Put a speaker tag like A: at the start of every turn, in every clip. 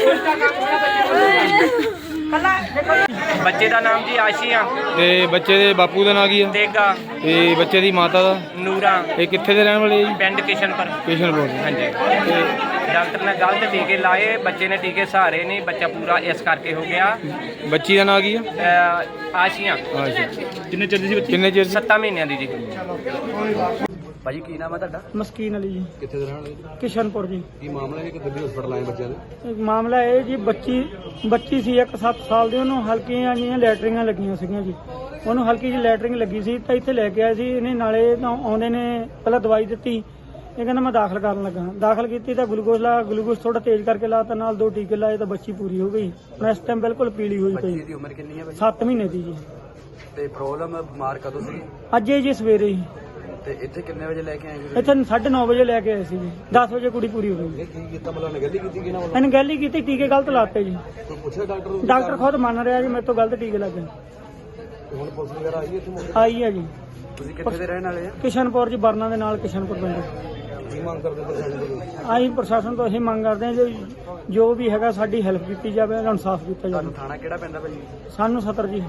A: ਬੱਚੇ ਦਾ ਨਾਮ ਜੀ ਆਸ਼ੀਆ
B: ਤੇ ਬੱਚੇ ਦੇ ਬਾਪੂ ਦਾ ਨਾਂ ਕੀ ਆ
A: ਤੇਗਾ
B: ਤੇ ਬੱਚੇ ਦੀ ਮਾਤਾ ਦਾ
A: ਨੂਰਾ
B: ਇਹ ਕਿੱਥੇ ਦੇ ਰਹਿਣ ਵਾਲੇ ਆ ਜੀ?
A: ਪਿੰਡ ਕਿਸ਼ਨਪੁਰ।
B: ਕਿਸ਼ਨਪੁਰ।
A: ਹਾਂਜੀ
B: ਤੇ
A: ਡਾਕਟਰ ਨੇ ਗਲਤ ਟੀਕੇ ਲਾਏ, ਬੱਚੇ ਨੇ ਟੀਕੇ ਸਹਾਰੇ ਨਹੀਂ, ਬੱਚਾ ਪੂਰਾ ਇਸ ਕਰਕੇ ਹੋ ਗਿਆ।
B: ਬੱਚੀ ਦਾ ਨਾਂ ਕੀ ਆ?
A: ਆਸ਼ੀਆ।
B: ਅੱਛਾ,
C: ਕਿੰਨੇ ਚਿਰ ਦੀ ਸੀ ਬੱਚੀ?
B: ਕਿੰਨੇ ਚਿਰ ਦੀ?
A: 7 ਮਹੀਨਿਆਂ ਦੀ ਜੀ।
C: ਭਾਜੀ ਕੀ ਨਾਮ ਹੈ ਤੁਹਾਡਾ?
D: ਮਸਕੀਨ ਅਲੀ ਜੀ,
C: ਕਿੱਥੇ ਦੇ ਰਹਿਣ ਵਾਲੇ?
D: ਕਿਸ਼ਨਪੁਰ ਜੀ।
C: ਕੀ ਮਾਮਲਾ ਹੈ ਕਿ ਦਿੱਲੀ ਹਸਪਤਾਲ ਆਏ ਬੱਚਿਆਂ ਦੇ?
D: ਮਾਮਲਾ ਇਹ ਜੀ, ਬੱਚੀ ਸੀ ਇੱਕ 7 ਸਾਲ ਦੀ, ਉਹਨੂੰ ਹਲਕੀਆਂ ਜਿਹੀਆਂ ਲੈਟਰਿੰਗਾਂ ਲੱਗੀਆਂ ਸੀਗੀਆਂ ਜੀ। ਉਹਨੂੰ ਹਲਕੀ ਜਿਹੀ ਲੈਟਰਿੰਗ ਲੱਗੀ ਸੀ ਤਾਂ ਇੱਥੇ ਲੈ ਕੇ ਆਏ ਸੀ ਇਹਨੇ। ਨਾਲੇ ਤਾਂ ਆਉਂਦੇ ਨੇ ਪਹਿਲਾਂ ਦਵਾਈ ਦਿੱਤੀ, ਇਹ ਕਹਿੰਦਾ ਮੈਂ ਦਾਖਲ ਕਰਨ ਲੱਗਾ। ਦਾਖਲ ਕੀਤੀ ਤਾਂ ਗਲੂਕੋਜ਼ ਥੋੜਾ ਤੇਜ਼ ਕਰਕੇ ਲਾਤਾ, ਨਾਲ 2 ਟੀਕੇ ਲਾਏ ਤਾਂ ਬੱਚੀ ਪੂਰੀ ਹੋ ਗਈ। ਹੁਣ ਇਸ ਟਾਈਮ ਬਿਲਕੁਲ ਪੀਲੀ ਹੋਈ ਪਈ।
C: ਬੱਚੀ ਦੀ ਉਮਰ ਕਿੰਨੀ ਹੈ ਭਾਜੀ?
D: 7 ਮਹੀਨੇ ਦੀ ਜੀ।
C: ਤੇ ਪ੍ਰੋਬਲਮ ਬਿਮਾਰ ਕਦੋਂ ਸੀ?
D: ਅੱਜ ਹੀ ਜੀ ਸਵੇਰੇ ਹੀ।
C: ਤੇ ਇੱਥੇ ਕਿੰਨੇ ਵਜੇ ਲੈ ਕੇ ਆਏ ਜੀ?
D: ਇੱਥੇ 9:30 ਵਜੇ ਲੈ ਕੇ ਆਏ ਸੀ ਜੀ। 10 ਵਜੇ ਕੁੜੀ ਪੂਰੀ ਹੋ ਗਈ।
C: ਇਹ ਕੀ ਕੀਤਾ ਮਤਲਬ ਨੇ ਗੱਲੀ ਕੀਤੀ ਕਿ ਨਾ?
D: ਇਹਨੇ ਗੱਲ ਹੀ ਕੀਤੀ, ਟੀਕੇ ਗਲਤ ਲਾਤੇ ਜੀ।
C: ਕੋਈ ਪੁੱਛਿਆ ਡਾਕਟਰ ਨੂੰ?
D: ਡਾਕਟਰ ਖੁਦ ਮੰਨ ਰਿਹਾ ਜੀ ਮੇਰੇ ਤੋਂ ਗਲਤ ਟੀਕੇ ਲੱਗੇ।
C: ਹੁਣ ਪੁਲਿਸ ਵਗੈਰਾ ਆਈ ਹੈ ਇੱਥੇ ਮੌਕੇ?
D: ਆਈ ਹੈ ਜੀ।
C: ਤੁਸੀਂ ਕਿੱਥੇ ਦੇ ਰਹਿਣ ਵਾਲੇ ਆ?
D: ਕਿਸ਼ਨਪੁਰ ਜੀ, ਬਰਨਾ ਦੇ ਨਾਲ ਕਿਸ਼ਨਪੁਰ ਪਿੰਡ।
C: ਕੀ ਮੰਗ ਕਰਦੇ ਪ੍ਰਸ਼ਾਸਨ ਤੋਂ?
D: ਅਸੀਂ ਪ੍ਰਸ਼ਾਸਨ ਤੋਂ ਇਹ ਮੰਗ ਕਰਦੇ ਹਾਂ ਜੀ, ਜੋ ਵੀ ਹੈਗਾ ਸਾਡੀ ਹੈਲਪ ਕੀਤੀ ਜਾਵੇ, ਇਨਸਾਫ ਕੀਤਾ ਜਾਵੇ।
C: ਤੁਹਾਨੂੰ ਥਾਣਾ ਕਿਹੜਾ ਪੈਂਦਾ ਭਾਜੀ?
D: ਸਾਨੂੰ 70 ਜੀ।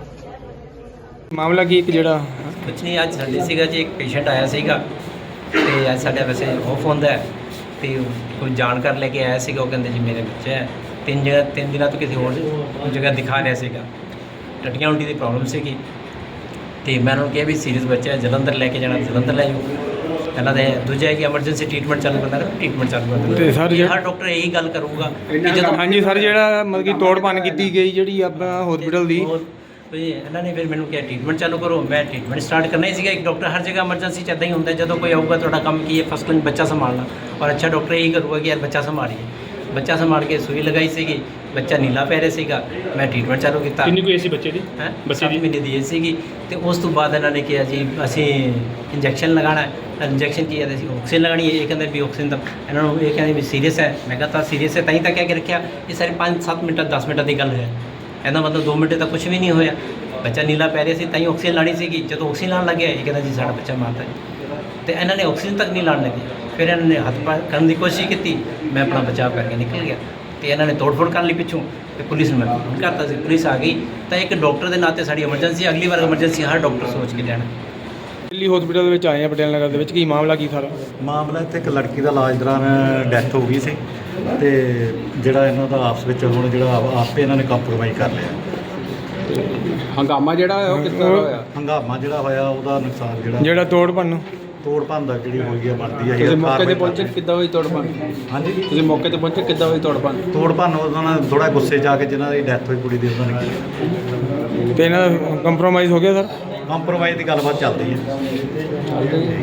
B: ਮਾਮਲਾ ਕੀ ਇੱਕ ਜਿਹੜਾ
E: ਕੁਛ ਨਹੀਂ, ਅੱਜ ਸਾਡੇ ਸੀਗਾ ਜੀ, ਇੱਕ ਪੇਸ਼ੈਂਟ ਆਇਆ ਸੀਗਾ ਤੇ ਅੱਜ ਸਾਡਾ ਵੈਸੇ ਆਫ ਹੁੰਦਾ ਹੈ ਤੇ ਕੋਈ ਜਾਣਕਾਰ ਲੈ ਕੇ ਆਇਆ ਸੀਗਾ। ਉਹ ਕਹਿੰਦੇ ਜੀ ਮੇਰੇ ਬੱਚਾ ਹੈ, 3 ਦਿਨਾਂ ਤੋਂ ਕਿਸੇ ਹੋਰ ਜਗ੍ਹਾ ਦਿਖਾ ਰਿਹਾ ਸੀਗਾ। ਟੱਟੀਆਂ ਉਲਟੀ ਦੀ ਪ੍ਰੋਬਲਮ ਸੀਗੀ ਤੇ ਮੈਂ ਉਹਨਾਂ ਨੂੰ ਕਿਹਾ ਵੀ ਸੀਰੀਅਸ ਬੱਚਾ ਹੈ, ਜਲੰਧਰ ਲੈ ਕੇ ਜਾਣਾ, ਜਲੰਧਰ ਲੈ ਜਾਓ। ਪਹਿਲਾਂ ਤਾਂ ਦੂਜਾ ਹੈ ਕਿ ਐਮਰਜੈਂਸੀ ਟ੍ਰੀਟਮੈਂਟ ਚਾਲੂ ਕਰਨਾ, ਟ੍ਰੀਟਮੈਂਟ ਚਾਲੂ ਕਰਨਾ।
B: ਤੇ ਸਰ
E: ਹਰ ਡਾਕਟਰ ਇਹੀ ਗੱਲ ਕਰੂਗਾ ਕਿ ਜਦੋਂ
B: ਹਾਂਜੀ ਸਰ, ਜਿਹੜਾ ਮਤਲਬ ਕਿ ਤੋੜ ਭੰਨ ਕੀਤੀ ਗਈ ਜਿਹੜੀ ਆਪਣਾ ਹਸਪੀਟਲ ਦੀ,
E: ਇਹਨਾਂ ਨੇ ਫਿਰ ਮੈਨੂੰ ਕਿਹਾ ਟ੍ਰੀਟਮੈਂਟ ਚਾਲੂ ਕਰੋ। ਮੈਂ ਟ੍ਰੀਟਮੈਂਟ ਸਟਾਰਟ ਕਰਨਾ ਹੀ ਸੀਗਾ। ਇੱਕ ਡਾਕਟਰ ਹਰ ਜਗ੍ਹਾ ਐਮਰਜੈਂਸੀ 'ਚ ਇੱਦਾਂ ਹੀ ਹੁੰਦਾ, ਜਦੋਂ ਕੋਈ ਆਊਗਾ ਤੁਹਾਡਾ ਕੰਮ ਕੀ ਹੈ? ਫਸਟ ਕਲਾਸ ਬੱਚਾ ਸੰਭਾਲਣਾ। ਔਰ ਅੱਛਾ ਡਾਕਟਰ ਇਹੀ ਕਰੂਗਾ ਕਿ ਯਾਰ ਬੱਚਾ ਸੰਭਾਲੀਏ। ਬੱਚਾ ਸੰਭਾਲ ਕੇ ਸੂਈ ਲਗਾਈ ਸੀਗੀ, ਬੱਚਾ ਨੀਲਾ ਪੈ ਰਿਹਾ ਸੀਗਾ, ਮੈਂ ਟ੍ਰੀਟਮੈਂਟ ਚਾਲੂ ਕੀਤਾ।
C: ਕਿੰਨੀ ਕੋਈ ਸੀ ਬੱਚੇ ਦੀ?
E: ਹੈ
C: ਬੱਚੇ ਦੀ?
E: 7 ਮਹੀਨੇ ਦੀ ਏਜ ਸੀਗੀ। ਤੇ ਉਸ ਤੋਂ ਬਾਅਦ ਇਹਨਾਂ ਨੇ ਕਿਹਾ ਜੀ ਅਸੀਂ ਇੰਜੈਕਸ਼ਨ ਲਗਾਉਣਾ ਹੈ। ਇੰਜੈਕਸ਼ਨ ਕੀ ਹੈ? ਅਸੀਂ ਆਕਸੀਜਨ ਲਗਾਉਣੀ ਹੈ। ਇਹ ਕਹਿੰਦੇ ਵੀ ਆਕਸੀਜਨ ਤਾਂ ਇਹਨਾਂ ਨੂੰ ਇਹ ਕਹਿੰਦੇ ਵੀ ਸੀਰੀਅਸ ਹੈ। ਮੈਂ ਕਿਹਾ ਤਾਂ ਸੀਰੀਅਸ ਹੈ ਤਾਂ ਹੀ ਤਾਂ ਕਹਿ ਕੇ ਰੱਖਿਆ। ਇਹ ਸਾਰੇ 5-7 ਮਿੰਟ 10 ਮਿੰਟਾਂ ਦੀ ਗੱਲ ਹੈ। ਇਹਦਾ ਮਤਲਬ 2 ਮਿੰਟ ਤੱਕ ਕੁਝ ਵੀ ਨਹੀਂ ਹੋਇਆ। ਬੱਚਾ ਨੀਲਾ ਪੈ ਰਿਹਾ ਸੀ ਤਾਂ ਹੀ ਆਕਸੀਜਨ ਲਾਣੀ ਸੀਗੀ। ਜਦੋਂ ਆਕਸੀਜਨ ਲਾਉਣ ਲੱਗਿਆ ਇਹ ਕਹਿੰਦਾ ਜੀ ਸਾਡਾ ਬੱਚਾ ਮਾਰਦਾ ਜੀ। ਤੇ ਇਹਨਾਂ ਨੇ ਆਕਸੀਜਨ ਤੱਕ ਨਹੀਂ ਲਾਉਣ ਲੱਗੇ। ਫਿਰ ਇਹਨਾਂ ਨੇ ਹੱਥ ਪਾਰ ਕਰਨ ਦੀ ਕੋਸ਼ਿਸ਼ ਕੀਤੀ, ਮੈਂ ਆਪਣਾ ਬਚਾਅ ਕਰਕੇ ਨਿਕਲ ਗਿਆ। ਤੇ ਇਹਨਾਂ ਨੇ ਤੋੜ-ਫੋੜ ਕਰਨ ਲਈ ਪਿੱਛੋਂ ਤੇ ਪੁਲਿਸ ਨੂੰ ਮੈਂ ਫੋਨ ਕਰਤਾ ਸੀ। ਪੁਲਿਸ ਆ ਗਈ ਤਾਂ ਇੱਕ ਡਾਕਟਰ ਦੇ ਨਾਤੇ ਸਾਡੀ ਐਮਰਜੈਂਸੀ, ਅਗਲੀ ਵਾਰ ਐਮਰਜੈਂਸੀ ਹਰ ਡਾਕਟਰ ਸੋਚ ਕੇ ਲੈਣਾ।
B: ਦਿੱਲੀ ਹਸਪੀਟਲ ਦੇ ਵਿੱਚ ਆਏ ਆ ਪਟੇਲ ਨਗਰ ਦੇ ਵਿੱਚ। ਕੀ ਮਾਮਲਾ ਕੀ ਸਾਰਾ?
F: ਮਾਮਲਾ ਇੱਥੇ ਇੱਕ ਲੜਕੀ ਦਾ ਇਲਾਜ ਦੌਰਾਨ ਡੈਥ ਹੋ ਗਈ ਸੀ ਤੇ ਜਿਹੜਾ ਇਹਨਾਂ ਦਾ ਆਪਸ ਵਿੱਚ ਹੁਣ ਜਿਹੜਾ ਆਪੇ ਇਹਨਾਂ ਨੇ ਕੰਪਰੋਮਾਈਜ਼ ਕਰ ਲਿਆ।
B: ਹੰਗਾਮਾ ਜਿਹੜਾ ਹੋਇਆ ਉਹ ਕਿੱਦਾਂ ਹੋਇਆ?
F: ਹੰਗਾਮਾ ਜਿਹੜਾ ਹੋਇਆ ਉਹਦਾ ਨੁਕਸਾਨ
B: ਜਿਹੜਾ ਤੋੜ ਭੰਨ
F: ਦਾ ਜਿਹੜੀ ਹੋਈ ਹੈ ਬਣਦੀ ਹੈ।
B: ਤੁਸੀਂ ਮੌਕੇ ਤੇ ਪਹੁੰਚੇ, ਕਿੱਦਾਂ ਹੋਈ ਤੋੜ ਭੰਨ?
F: ਹਾਂਜੀ,
B: ਤੁਸੀਂ ਮੌਕੇ ਤੇ ਪਹੁੰਚੇ, ਕਿੱਦਾਂ ਹੋਈ ਤੋੜ ਭੰਨ?
F: ਉਹਨਾਂ ਨੇ ਥੋੜਾ ਗੁੱਸੇ 'ਚ ਆ ਕੇ ਜਿਨ੍ਹਾਂ ਦੀ ਡੈਥ ਹੋਈ ਕੁੜੀ ਦੀ ਉਹਨਾਂ ਨੇ ਕੀਤਾ।
B: ਤੇ ਇਹਨਾਂ ਦਾ ਕੰਪਰੋਮਾਈਜ਼ ਹੋ ਗਿਆ ਸਰ?
F: ਕੰਪਰੋਮਾਈਜ਼ ਦੀ ਗੱਲਬਾਤ ਚੱਲਦੀ ਹੈ।